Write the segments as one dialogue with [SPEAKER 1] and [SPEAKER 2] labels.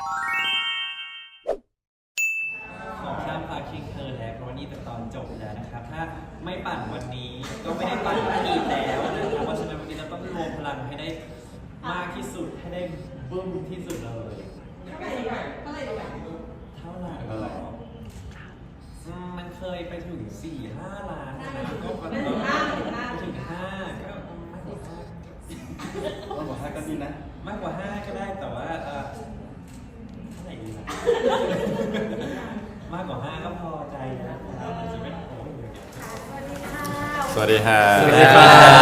[SPEAKER 1] ของข้ามพาคิงเธอแล้วเพราะวันนี้เป็นตอนจบแล้วนะครับถ้าไม่ปั่นวันนี้ก็ไม่ได้ปั่นอีกแล้วนะครับเพราะฉะนั้นวันนี้เราต้องรวมพลังให้ได้มากที่สุดให้ได้บึ้มที่สุดเลยเท่าไหร่มันเคยไปถึง 4-5 ล้านนะก็ไปถึง 5ก็มากกว่า
[SPEAKER 2] 5ก็ดีนะ
[SPEAKER 1] 5มากกว่า 5ก็ได้แต่ว่าเท่าไหร่ดีนะมากกว่า 5ก็พอใจนะครับมันจะเป็นโอ้ย
[SPEAKER 3] สวัสดีค่ะ
[SPEAKER 4] สวัสดี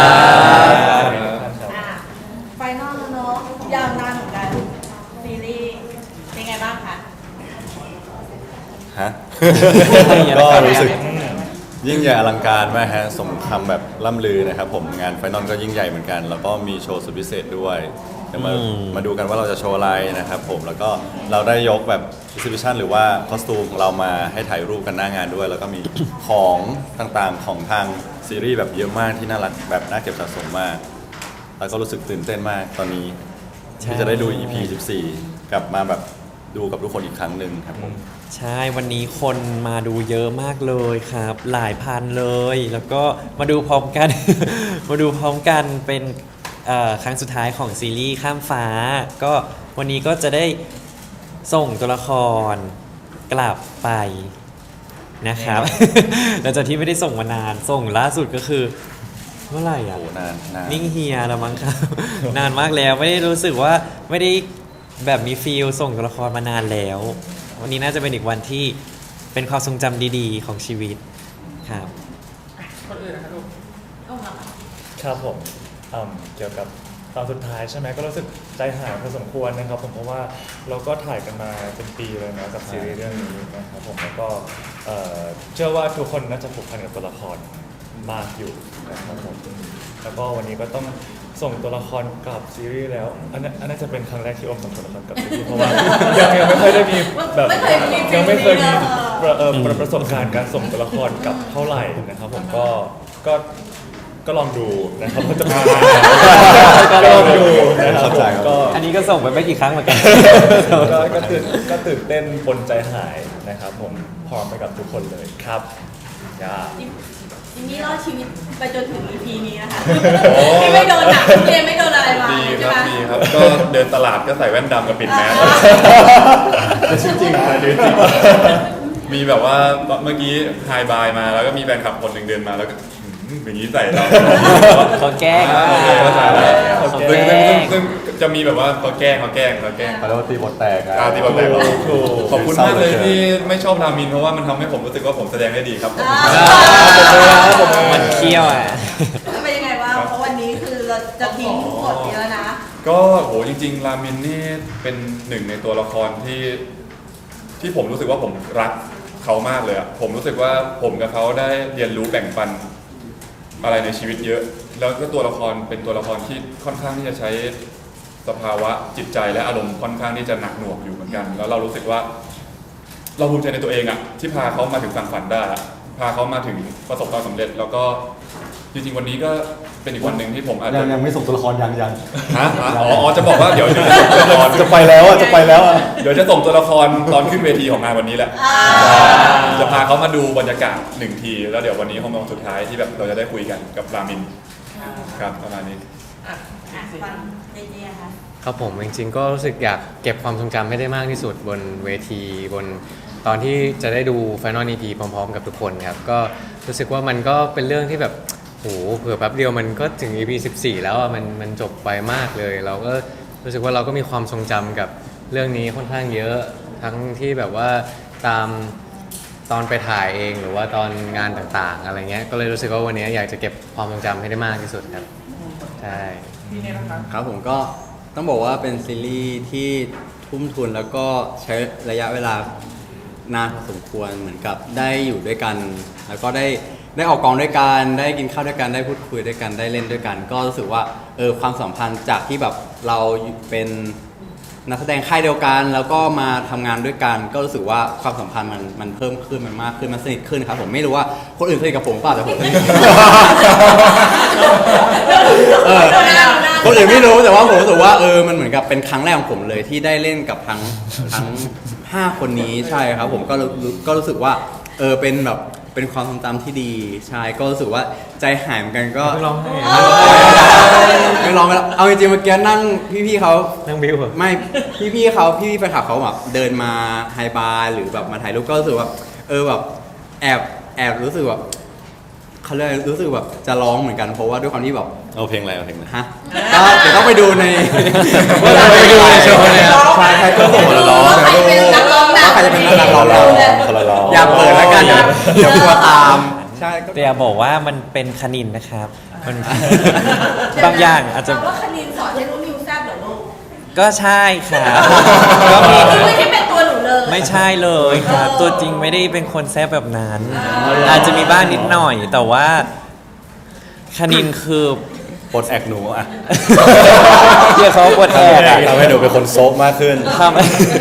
[SPEAKER 4] ค่ะไฟนอลแล้วเนาะยาวนานเหมือนกันซีรีส์เป็นไงบ้างคะ
[SPEAKER 3] ฮะ ก็รู้สึกยิ่งใหญ่อลังการมากฮะสมคำแบบล่ำลือนะครับผมงานไฟนอลก็ยิ่งใหญ่เหมือนกัน แล้วก็มีโชว์สุดพิเศษด้วยเดี๋ยวมาดูกันว่าเราจะโชว์อะไรนะครับผมแล้วก็เราได้ยกแบบ exhibition หรือว่าคอสตูมของเรามาให้ถ่ายรูปกันหน้างานด้วย แล้วก็มีของต่างๆของทางซีรีส์แบบเยอะมากที่น่ารักแบบน่าเก็บสะสมมาก แล้วก็รู้สึกตื่นเต้นมากตอนนี้ที่จะได้ดู EP 14 กลับมาแบบดูกับทุกคนอีกครั้งหนึ่งครับผม
[SPEAKER 1] ใช่วันนี้คนมาดูเยอะมากเลยครับ หลายพันเลย แล้วก็มาดูพร้อมกัน มาดูพร้อมกันเป็นครั้งสุดท้ายของซีรีส์ข้ามฟ้า ก็วันนี้ก็จะได้ส่งตัวละครกลับไปนะครับ หลังจากที่ไม่ได้ส่งมานานส่งล่าสุดก็คือเมื่อไหร่อ่ะ
[SPEAKER 3] โอ้นาน
[SPEAKER 1] นิ่งเฮียแล้วมั้งครับ นานมากแล้วไม่ได้รู้สึกว่าไม่ได้แบบมีฟีลส่งตัวละครมานานแล้ว วันนี้น่าจะเป็นอีกวันที่เป็นความทรงจำดีๆของชีวิตครับ
[SPEAKER 2] ครับผมเกี่ยวกับตอนสุดท้ายใช่ไหมก็รู้สึกใจหายพอสมควรนะครับผมเพราะว่าเราก็ถ่ายกันมาเป็นปีเลยนะกับซีรีส์เรื่องนี้นะครับผมแล้วก็เชื่อว่าทุกคนน่าจะผูกพันกับตัวละครมากอยู่นะครับผมแล้วก็วันนี้ก็ต้องส่งตัวละครกลับซีรีส์แล้วอันนั้นจะเป็นครั้งแรกที่อมส่งตัวละครกลับซีรีส์เพราะว่ายังไม่เคยได้มีแบบยังไม่เคยมีประสบการณ์การส่งตัวละครกลับเท่าไหร่นะครับผมก็ลองดูนะครับว่าจะเป็นยังไงก็ลองดูนะครับผมก็
[SPEAKER 1] อันนี้ก็ส่งไปไม่กี่ครั้งเหมือนกัน
[SPEAKER 2] ก็ตื่นเต้นปนใจหายนะครับผมพร้อมไปกับทุกคนเลยครับจ้า
[SPEAKER 4] จิมมี่รอดชีวิตไปจนถึง EP นี้นะคะที่ไม่โดนหนักเรียนไม่โดนอะไรมา
[SPEAKER 5] ดี
[SPEAKER 4] ใช่
[SPEAKER 5] ค
[SPEAKER 4] ไห
[SPEAKER 5] รั
[SPEAKER 4] ม
[SPEAKER 5] บดีครับ ก็เดินตลาดก็ใส่แว่นดำกับปิดแมส
[SPEAKER 3] แต่จริงๆนะจริง
[SPEAKER 5] มีแบบว่าเมื่อกี้ไฮบายมาแล้วก็มีแฟนคลับคนหนึ่งเดินมาแล้วก็อย่างนี้ใส่เรา
[SPEAKER 1] เขาแกล้ง
[SPEAKER 5] เขาใส่เรา
[SPEAKER 1] เขา
[SPEAKER 5] ซึ่ง
[SPEAKER 1] แกล้ง
[SPEAKER 5] ซึ่งจะมีแบบว่าเขาแกล้ง
[SPEAKER 3] เขาเรียกว่าตีบทแตกอะ
[SPEAKER 5] ตีบอลแตก
[SPEAKER 2] ถูก
[SPEAKER 5] ขอบคุณมากเลยที่ไม่ชอบรามินเพราะว่ามันทำให้ผมรู้สึกว่าผมแสดงได้ดีครับ
[SPEAKER 1] มันเคี้ยวอ่ะ
[SPEAKER 4] เป็นยังไงบ้างเพราะวันนี้คือเราจะทิ้งบทนี้แล้วนะ
[SPEAKER 5] ก็โหจริงๆ รามินนี่เป็นหนึ่งในตัวละครที่ผมรู้สึกว่าผมรักเขามากเลยอะผมรู้สึกว่าผมกับเขาได้เรียนรู้แบ่งปันอะไรในชีวิตเยอะ แล้วก็ตัวละครเป็นตัวละครที่ค่อนข้างที่จะใช้สภาวะจิตใจและอารมณ์ค่อนข้างที่จะหนักหน่วงอยู่เหมือนกัน แล้วเรารู้สึกว่า เราภูมิใจในตัวเองอะที่พาเขามาถึงฝั่งฝันได้อะพาเขามาถึงประสบความสำเร็จ แล้วก็จริงๆวันนี้ก็เป็นอีกวันหนึ่งที่ผมอาจจะ
[SPEAKER 3] ยังไม่ส่งตัวละครยัง
[SPEAKER 5] อ๋อจะบอกว่าเดี๋ยวจะส่งตัวละคร
[SPEAKER 3] จะไปแล้วอะจะไปแล้วอะ
[SPEAKER 5] เดี๋ยวจะส่งตัวละครตอนขึ้นเวทีของงานวันนี้แหละ จะพาเขามาดูบรรยากาศหนึ่งที แล้วเดี๋ยววันนี้คงเป็นวันสุดท้ายที่แบบเราจะได้คุยกันกับรามินครับประมาณนี้
[SPEAKER 4] ฟังเจๆค่ะ
[SPEAKER 6] ครับผมจริงๆก็รู้สึกอยากเก็บความทรงจำให้ได้มากที่สุดบนเวทีบนตอนที่จะได้ดู Final EP พร้อมๆกับทุกคนครับก็รู้สึกว่ามันก็เป็นเรื่องที่แบบโหเผื่อแป๊บเดียวมันก็ถึง EP 14 แล้วอ่ะมันจบไปมากเลย เราก็รู้สึกว่าเราก็มีความทรงจำกับเรื่องนี้ค่อนข้างเยอะทั้งที่แบบว่าตามตอนไปถ่ายเองหรือว่าตอนงานต่างๆอะไรเงี้ยก็เลยรู้สึกว่าวันนี้อยากจะเก็บความทรงจำให้ได้มากที่สุดครับใช่
[SPEAKER 7] ครับผมก็ต้องบอกว่าเป็นซีรีส์ที่ทุ่มทุนแล้วก็ใช้ระยะเวลานานพอสมควรเหมือนกับได้อยู่ด้วยกัน แล้วก็ได้ออกกองด้วยกันได้กินข้าวด้วยกันได้พูดคุยด้วยกันได้เล่นด้วยกัน ก็รู้สึกว่าความสัมพันธ์จากที่แบบเราเป็นนักแสดงค่ายเดียวกัน แล้วก็มาทำงานด้วยกัน ก็รู้สึกว่าความสัมพันธ์มันเพิ่มขึ้นมันมากขึ้นมันสนิทขึ้นครับผมไม่รู้ว่าคนอื่นสนิทกับผมเปล่าแต่ผมสนิท
[SPEAKER 4] ดูหน้า
[SPEAKER 7] คนอื่นไม่รู้แต่ว่าผมรู้สึกว่ามันเหมือนกับเป็นครั้งแรกของผมเลยที่ได้เล่นกับทั้ง5 คนนี้ใช่ครับผมก็รู้สึกว่าเป็นแบบเป็นความทรงจำที่ดีใช่ก็รู้สึกว่าใจหายเหมือนกันก็
[SPEAKER 6] ร้องไห้
[SPEAKER 7] ไม่ลองกันเอาจริงๆเมื่อกี้นั่งพี่ๆเขา
[SPEAKER 6] นั่งบิวเหรอ
[SPEAKER 7] ไม่พี่ๆเขาพี่ๆแฟนคลับเขาแบบเดินมาไฮบาร์หรือแบบมาถ่ายรูปก็รู้สึกว่าแบบแอบรู้สึกแบบเขาเลยรู้สึกแบบจะร้องเหมือนกันเพราะว่าด้วยความที่แบบ
[SPEAKER 3] เอาเพลงอะไรเอาเพลงอะไร
[SPEAKER 7] ฮะก็เดี๋ยวต้องไปดูใน
[SPEAKER 6] ไปดูในโชว์เลยครับ
[SPEAKER 7] ใช่ก็ส่งมาร้อง
[SPEAKER 4] ว่าใครเป็นนักร้องนำ
[SPEAKER 7] ว่าใครจะเป็นนักร้องนำ
[SPEAKER 3] คนละร้อง
[SPEAKER 7] อย่าเปิดแล้วกันเดี๋ยวกลัวตามใช่ก็
[SPEAKER 1] แต่อย่าบอกว่ามันเป็นคณินนะครับ มัน บางอย่างอาจจะ
[SPEAKER 4] แปลว่าคณินสอนให้รู้นิวแซ่บเหรอลูก
[SPEAKER 1] ก็ใช่ครับ ก็มี
[SPEAKER 4] ไม่ใช่เป็นตัวหนูเลย
[SPEAKER 1] ไม่ใช่เลยครับ ตัวจริงไม่ได้เป็นคนแซ่บแบบนั้น อาจจะมีบ้างนิดหน่อย แต่ว่าคณินคือ
[SPEAKER 3] ปลดแอกหนูอ่ะ
[SPEAKER 1] เรียกเขาว่าปวดแอกอะ
[SPEAKER 3] ทำให้หนูเป็นคนโซฟมากขึ้น
[SPEAKER 1] ทำ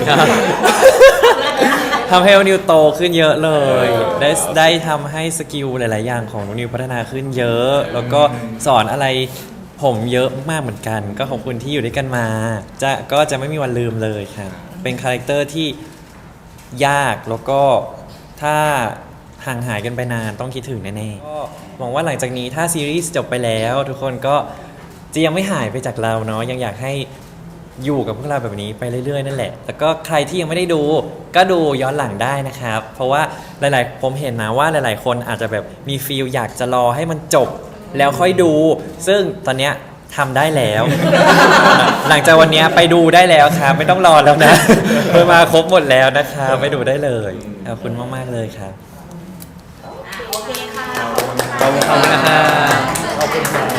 [SPEAKER 1] ทำให้นิวโตขึ้นเยอะเลย ได้ทำให้สกิลหลาย ๆ อย่างของนิวพัฒนาขึ้นเยอะ แล้วก็สอนอะไรผมเยอะมากเหมือนกัน ก็ขอบคุณที่อยู่ด้วยกันมา ก็จะไม่มีวันลืมเลยครับ เป็นคาแรคเตอร์ที่ยากแล้วก็ถ้าห่างหายกันไปนานต้องคิดถึงแน่ๆก็หวังว่าหลังจากนี้ถ้าซีรีส์จบไปแล้ว ทุกคนก็จะยังไม่หายไปจากเราเนาะยังอยากให้อยู่กับพวกเราแบบนี้ไปเรื่อย ๆ นั่นแหละแล้วก็ใครที่ยังไม่ได้ดูก็ดูย้อนหลังได้นะครับ เพราะว่าผมเห็นนะว่าหลาย ๆ คนอาจจะแบบมีฟีลอยากจะรอให้มันจบแล้วค่อยดู ซึ่งตอนเนี้ยทำได้แล้ว หลังจากวันเนี้ยไปดูได้แล้วครับไม่ต้องรอแล้วนะ มาครบหมดแล้วนะครับไปดูได้เลยขอบคุณมาก ๆ เลยครับ
[SPEAKER 4] โอเคค่ะ
[SPEAKER 6] ขอบคุณนะครับ
[SPEAKER 2] ขอบคุณครับ